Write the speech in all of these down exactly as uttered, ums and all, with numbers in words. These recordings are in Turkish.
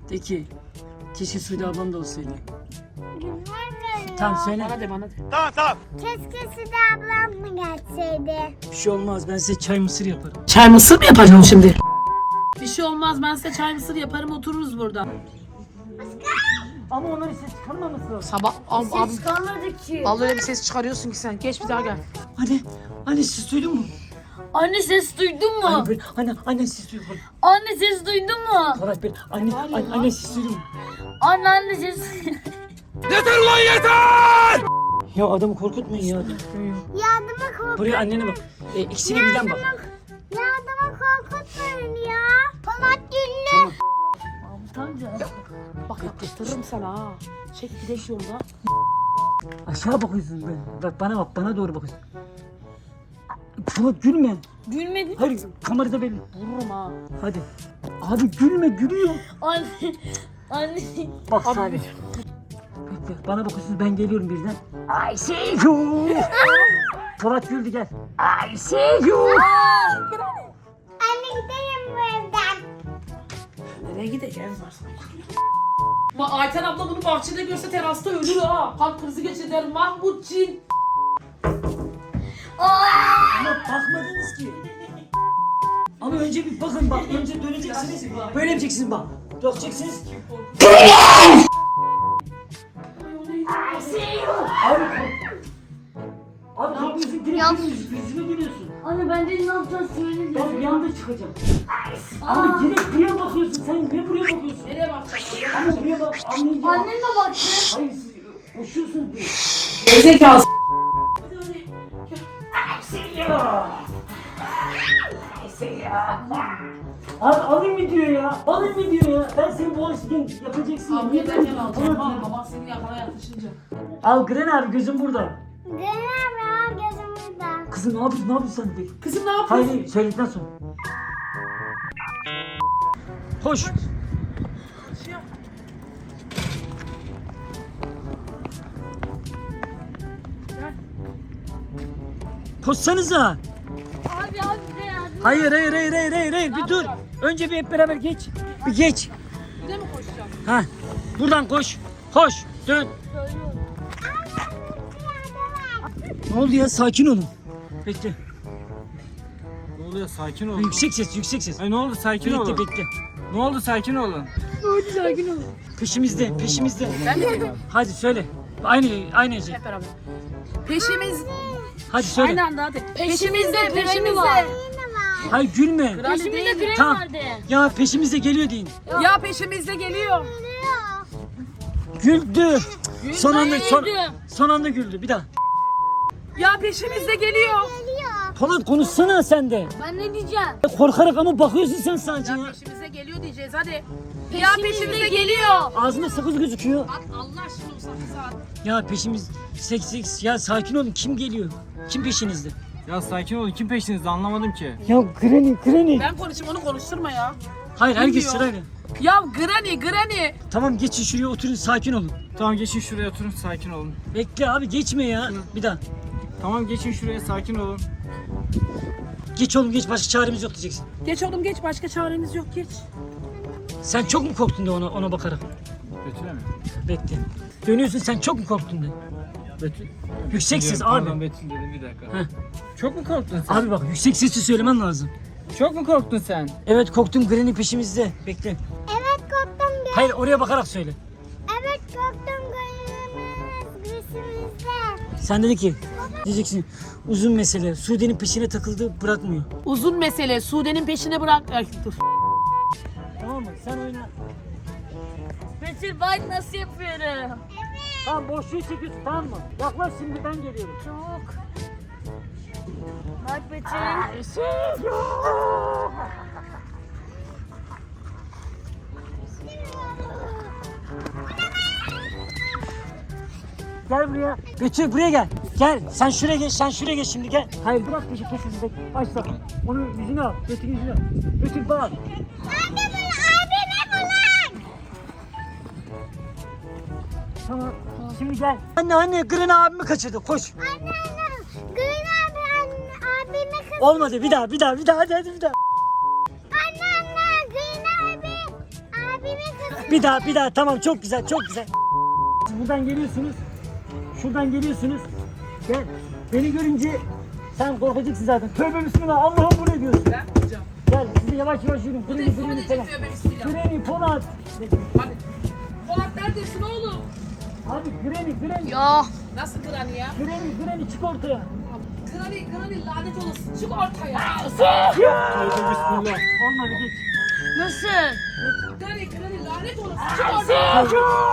De ki keşke Sude ablam da olsaydı. Güzel görünüyor. Tamam söyle. Bana de bana de. Tamam tamam. Keşke Sude ablam mı gelseydi? Bir şey olmaz, ben size çay mısır yaparım. Çay mısır mı yapacaksın şimdi? Bir şey olmaz, ben size çay mısır yaparım, otururuz burada. Ama onları ses çıkarmaması lazım. Sabah abi, abi Çıkamadı ki. vallahi öyle bir ses çıkarıyorsun ki sen. Geç bir daha gel. Anne, anne siz duydun mu? Anne ses duydun mu? Anne, ben, anne, anne siz duydun mu? Anne ses duydun mu? Polat ben, anne, anne, anne siz duydun mu? Anne anne ses. Yeter lan yeter! Ya adamı korkutmayın ya. Yardıma kork. Buraya annene bak. E, ikisine birden bak. Yardıma korkutmayın ya. Polat Güllü. Bak yapıştırırım sana ha. Çek gidelim yolda. Aşağı bakıyorsun ben. Bak bana bak, bana doğru bakıyorsun. Polat gülme. Gülmedin. Hayır, kamerada belli. Vururum ha. Hadi. Abi gülme, gülüyor. Anne. Anne. Bak Salih. Bekle, bana bakıyorsunuz, ben geliyorum birden. I see you. Polat güldü, gel. I see you. Anne gidelim bu evden. Nereye gideceğiz varsın? Bak Ayten abla bunu bahçede görse terasta ölür ha. Kalp krizi geçirir Mahmut Cin. Ama bakmadınız ki. Ama önce bir bakın bak, önce döneceksiniz. Böyle yapacaksınız bak. Döneceksiniz. Abi Abi kalkıyorsun, direkt yüzüme geliyorsun. Anne ben de ne yapacağız söyle. Ben bir anda çıkacağım. Abi direkt buraya bakıyorsun, sen ne buraya bakıyorsun? Nereye bakacaksın? Ama buraya bak, anlayacağım. Annen de baktı. Hayır, siz koşuyorsunuz diye. Gerizekalı. Abi alayım mı diyor ya? Alayım mı diyor ya? Ben seni bu açıdan yapacaksın. Abi Niye ben gel bakıyorsun? alacağım. Polat ya. Baba seni yakala yaklaşınca. Al Gren abi, gözüm burada. Görüyorum ya gözümüzden. Kızım ne yapıyorsun? Ne yapıyorsun sen de? Kızım ne Hayır, yapıyorsun? hayır, söyledikten sonra. Koş. Koşsanıza. Abi abi de yardım. Hayır, hayır, hayır, hayır, hayır, hayır. Bir dur. Önce bir hep beraber geç. Bir geç. Bir de mi koşacağım? Ha. Buradan koş. Koş. Dön. Ne oldu ya? Sakin olun. Bekle. Ne oluyor, sakin olun. Yüksek ses, yüksek ses. Ay ne oldu, sakin Bekle, olun. bekle. Ne oldu, sakin olun. Peşimizde, peşimizde. Ben de dedim. Hadi söyle. Aynı, aynı Ece. Hep beraber. Peşimiz. Hadi söyle. Aynı anda hadi. Peşimizde Peşimizde. peşimi var. Hayır, gülme. Peşimizde fren Tamam. vardı. Ya peşimizde geliyor deyin. Ya peşimizde geliyor. Güldü. Son anda, son, güldüm. son anda güldü. Bir daha. Ya peşimizde geliyor. Polat konuşsana sen de. Ben ne diyeceğim? Korkarak ama bakıyorsun sen sadece Ya ya. peşimize geliyor diyeceğiz hadi. Ya Peşimizde peşimizde geliyor. Ağzında sakız gözüküyor. Bak Allah aşkına o sakız saat. Ya peşimiz seks seks. Ya sakin olun. Kim geliyor? Kim peşinizde? Ya sakin olun, kim peşinizde, anlamadım ki. Ya Granny, Granny. Ben konuşayım onu konuşturma ya. Hayır, herkes Bilmiyor. sırayla. Ya Granny Granny. Tamam, geçin şuraya, oturun, sakin olun. Tamam geçin şuraya, oturun, sakin olun. Bekle abi, geçme ya. Bir daha. Tamam geçin şuraya, sakin olun. Geç oğlum, geç, başka çaremiz yok diyeceksin. Geç oğlum geç, başka çaremiz yok, geç. Sen çok mu korktun de ona, ona bakarak? Betül'e mi? Bekle. Dönüyorsun, sen çok mu korktun de? Betül. Yüksek ses Diyorum, abi. Pardon Betül dedim, bir dakika. Heh. Çok mu korktun sen? Abi bak, yüksek sesle söylemen lazım. Çok mu korktun sen? Evet, korktum, Granny peşimizde. Bekle. Evet korktum. gö- Hayır, oraya bakarak söyle. Evet korktum gözümüz gözümüzde. Sen dedi ki, diyeceksin, uzun mesele. Sude'nin peşine takıldı, bırakmıyor. Uzun mesele, Sude'nin peşine bırak. Ay, dur. Tamam mı? Sen oyna. Betül bak nasıl yapıyorum. Tamam, boşluğu çekiyorsun, tamam mı? Yaklaş, şimdi ben geliyorum. Çok. Bak Betül. Gel buraya. Betül buraya gel. Gel. Sen şuraya geç. Sen şuraya geç şimdi, gel. Hayır, bırak peşi peşimize. Başla. Onu yüzüne al. Betül yüzüne al. Betül bak. Anne bunu abime bulan. Tamam. Şimdi gel. Anne anne, Granny abimi kaçırdı. Koş. Anne anne. Gül abi anne abime kız. Olmadı. Bir daha bir daha bir daha hadi, hadi bir daha. Anne anne Gül abi abime kız. Bir daha bir daha tamam çok güzel çok güzel. Siz buradan geliyorsunuz. Şuradan geliyorsunuz. Gel. Beni görünce sen korkacaksın zaten. Tövbe bismillah Allah'ım bu ne diyorsun? Ben yapacağım. Gel sizi yavaş yavaş yürüyün. Freni Telefonu freni falan. diyecek diyor ben bismillah. Freni Polat. Hadi. Polat neredesin oğlum? Abi freni freni. Ya. Nasıl Granny ya? Freni freni çık ortaya. Granny, Granny lanet olası. Çık ortaya. Tövbe bismillah. Olmadı geç. Nasıl? Granny, Granny lanet olası. Çık ortaya.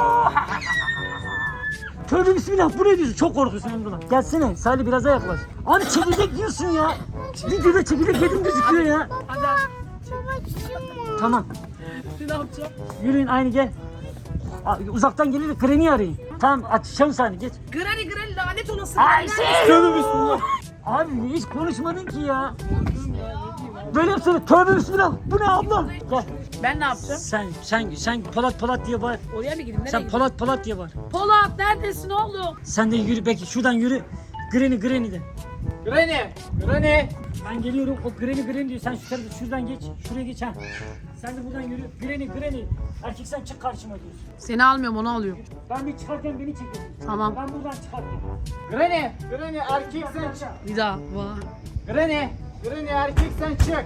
Tövbe bismillah bu ne diyorsun? Çok korkuyorsun Emrullah. Gelsene Salih biraz daha yaklaş. Abi çekirdek diyorsun ya. Videoda çekirdek yedim gözüküyor ya. Hadi abi. Tamam. Ne yapacağım? Yürüyün aynı gel. Aa, uzaktan gelir kreni arayın. Tamam açacağım saniye geç. Granny, Granny lanet olası. Tövbe bismillah. Abi hiç konuşmadın ki ya. Böyle yapsana tövbe bismillah. Bu ne abla? Gel. Ben ne yapacağım? Sen sen sen Polat Polat diye bağır. Oraya mı gideyim? Nereye Sen gideyim? Polat Polat diye bağır. Polat neredesin oğlum? Sen de yürü belki şuradan yürü. Granny Granny de. Granny. Granny. Ben geliyorum o Granny Granny diyor. Sen şu tarafa şuradan geç. Şuraya geç ha. Sen de buradan yürü. Granny Granny. Erkek sen çık karşıma diyorsun. Seni almıyorum onu alıyorum. Ben bir çıkarken beni çekiyorsun. Tamam. Ben buradan çıkarken. Granny. Granny erkek sen çık. Bir daha. Vah. Granny. Granny erkek sen çık.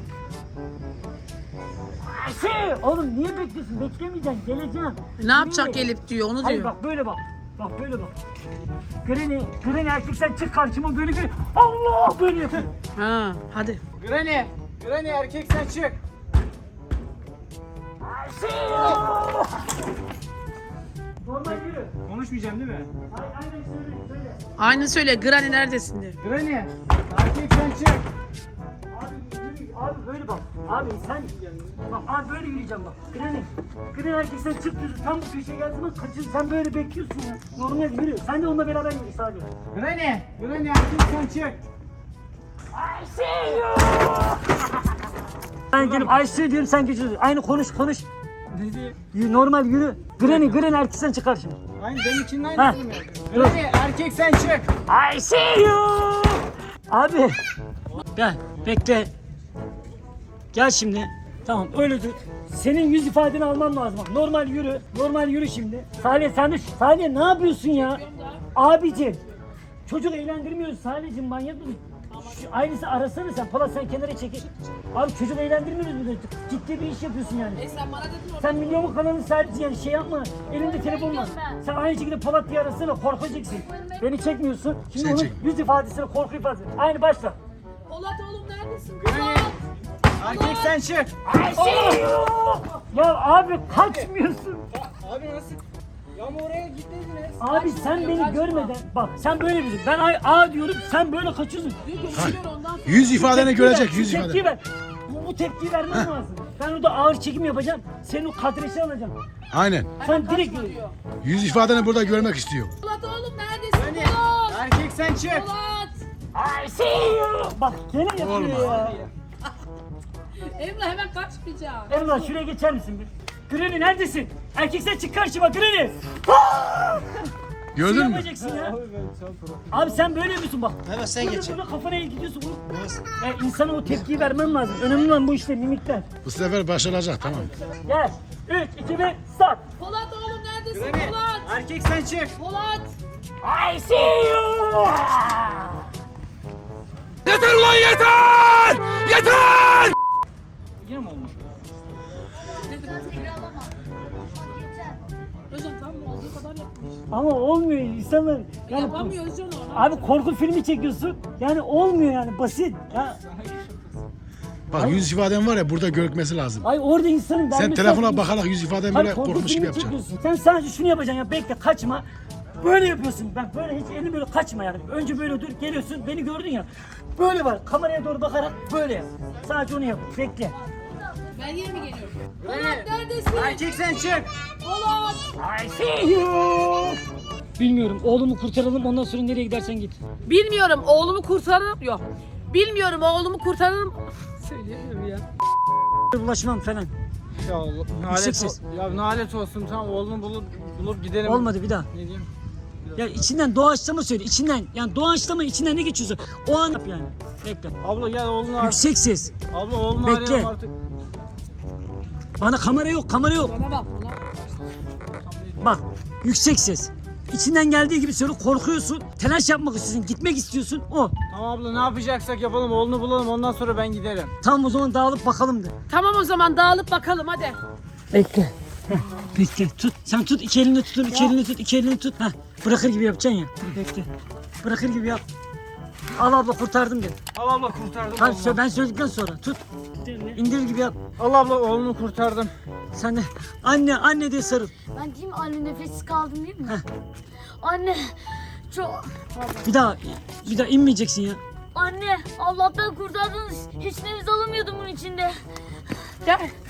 Şey, oğlum niye bekliyorsun? Beklemeyeceksin. Geleceksin. Ne yapacak Yürü. gelip diyor onu Hayır diyor. bak böyle bak. Bak böyle bak. Granny, Granny erkek sen çık karşıma böyle bir Allah böyle yapıyor. Ha hadi. Granny. Granny erkek sen çık. Normal yürü. Konuşmayacağım değil mi? Ay, aynen söyle söyle. Aynı söyle Granny neredesin diye. Granny. Erkek sen çık. Abi yürü. Abi böyle bak. Abi sen bak abi böyle yürüyeceğim bak. Granny. Granny erkek sen çık diyorsun. Tam bu köşeye geldiğinde kaçıyorsun. Sen böyle bekliyorsun ya. Normal yürü. Sen de onunla beraber yürü sadece. Granny. Granny erkek sen çık. Ben gelip Ayşe diyorum sen geçiyorsun. Aynı konuş konuş. Ne diyeyim? Yürü, normal yürü. Granny Granny erkek sen çıkar şimdi. Aynı benim için Ha. aynı değil mi? Granny erkek sen çık. I see you. Abi. Gel bekle. Gel şimdi. Tamam öyle dur. Senin yüz ifadeni almam lazım. Bak, normal yürü. Normal yürü şimdi. Salih sen de Salih ne yapıyorsun ya? Abicim. Çocuk eğlendirmiyoruz Salih'cim manyak mısın? Şu aynısı arasana sen. Polat sen kenara çekil. Abi çocuk eğlendirmiyoruz burada. Ciddi bir iş yapıyorsun yani. E sen bana dedin orada. Sen milyonluk kanalın sahibisin yani şey yapma. Elinde telefon var. ben. Sen aynı şekilde Polat diye arasana korkacaksın. Beni çekmiyorsun. Şimdi Seni onun çek. yüz ifadesine korku ifadesi. Aynı başla. Polat oğlum neredesin? Granny. Polat. Erkek sen çık. Ya abi kaçmıyorsun. Abi nasıl? Ya ama oraya gitmediniz. Abi sen beni görmeden bak sen böyle bir ben ay A diyorum sen böyle kaçıyorsun. Diyor görüşüyor ondan sonra. Yüz ifadeni Tepki ver, görecek, şu yüz tepki ifade. ver. Bu, bu tepkiyi vermen lazım. Ben orada ağır çekim yapacağım. Senin o kadreşi alacağım. Aynen. Sen direkt Kaçma diyor. Yüz ifadeni burada görmek istiyor. Polat oğlum neredesin Granny. Polat? Erkek sen çık. Polat. I see you. Bak gene yapıyor Olmaz. ya. Emrah hemen kaçmayacağım. Emrah şuraya geçer misin bir? Granny neredesin? Erkek sen çık karşıma Granny. Gördün Ne mü? yapacaksın ya? Abi ben çok korkuyorum. Abi sen böyle yapıyorsun bak. Evet sen Burada geç. burada kafana gidiyorsun. Ya insana o tepkiyi vermen lazım. Önemli olan bu işte mimikler. Bu sefer başaracak tamam. Gel. üç, iki, bir, start. Polat oğlum neredesin Granny. Polat? Erkek sen çık. Polat. I see you. Yeter ulan yeter! Yeter! Yine mi olmuş? Özcan tamam olduğu kadar yapmış. Ama olmuyor insanlar. Yani, Yapamıyor Özcan onu. abi korku filmi çekiyorsun. Yani olmuyor yani basit. Ya, Bak yüz ifaden var ya burada görükmesi lazım. ay orada insanın Sen vermesi telefona lazım. bakarak yüz ifaden Hayır, böyle korku korkmuş gibi filmi yapacaksın. çekiyorsun. Sen sadece şunu yapacaksın ya bekle kaçma. Böyle yapıyorsun. Bak böyle hiç elini böyle kaçma yani. Önce böyle dur geliyorsun beni gördün ya. Böyle var kameraya doğru bakarak böyle yap. Sadece onu yap. Bekle. Ben yine mi geliyorum? Granny. Polat neredesin? Erkek sen çık. Polat. I see you. Bilmiyorum oğlumu kurtaralım ondan sonra nereye gidersen git. Bilmiyorum oğlumu kurtarırım. Yok. Bilmiyorum oğlumu kurtarırım. Söyleyemiyorum ya. Ulaşmam falan. Ya nalet, ses. ol- ya nalet olsun tamam oğlunu bulup bulup gidelim. Olmadı bir daha. Ne diyeyim? Ya içinden doğaçlama söyle. İçinden yani doğaçlama içinden ne geçiyorsa o an yap yani. Bekle. Abla gel oğlunu ar- Yüksek ses. Abla oğlunu Bekle. arayalım artık. Bana kamera yok kamera yok. Bana bak bana. Bak yüksek ses. İçinden geldiği gibi söyle, korkuyorsun. Telaş yapmak istiyorsun. Gitmek istiyorsun. O. Tamam abla ne yapacaksak yapalım oğlunu bulalım ondan sonra ben giderim. Tamam o zaman dağılıp bakalım de. Tamam o zaman dağılıp bakalım hadi. Bekle. Heh, bekle. Tut. Sen tut. İki elini tutun. İki elini tut. İki elini tut. Heh. Bırakır gibi yapacaksın ya. Bekle. Bırakır gibi yap. Al abla kurtardım de. Al abla kurtardım Tamam oğlunu. ben söyledikten sonra tut. İndirir gibi yap. Al abla oğlunu kurtardım. Sen de anne anne diye sarıl. Ben diyeyim anne nefessiz kaldım değil mi? Heh. Anne çok... Bir daha bir daha inmeyeceksin ya. Anne Allah'tan kurtardınız. Hiç nefes alamıyordum bunun içinde. Gel.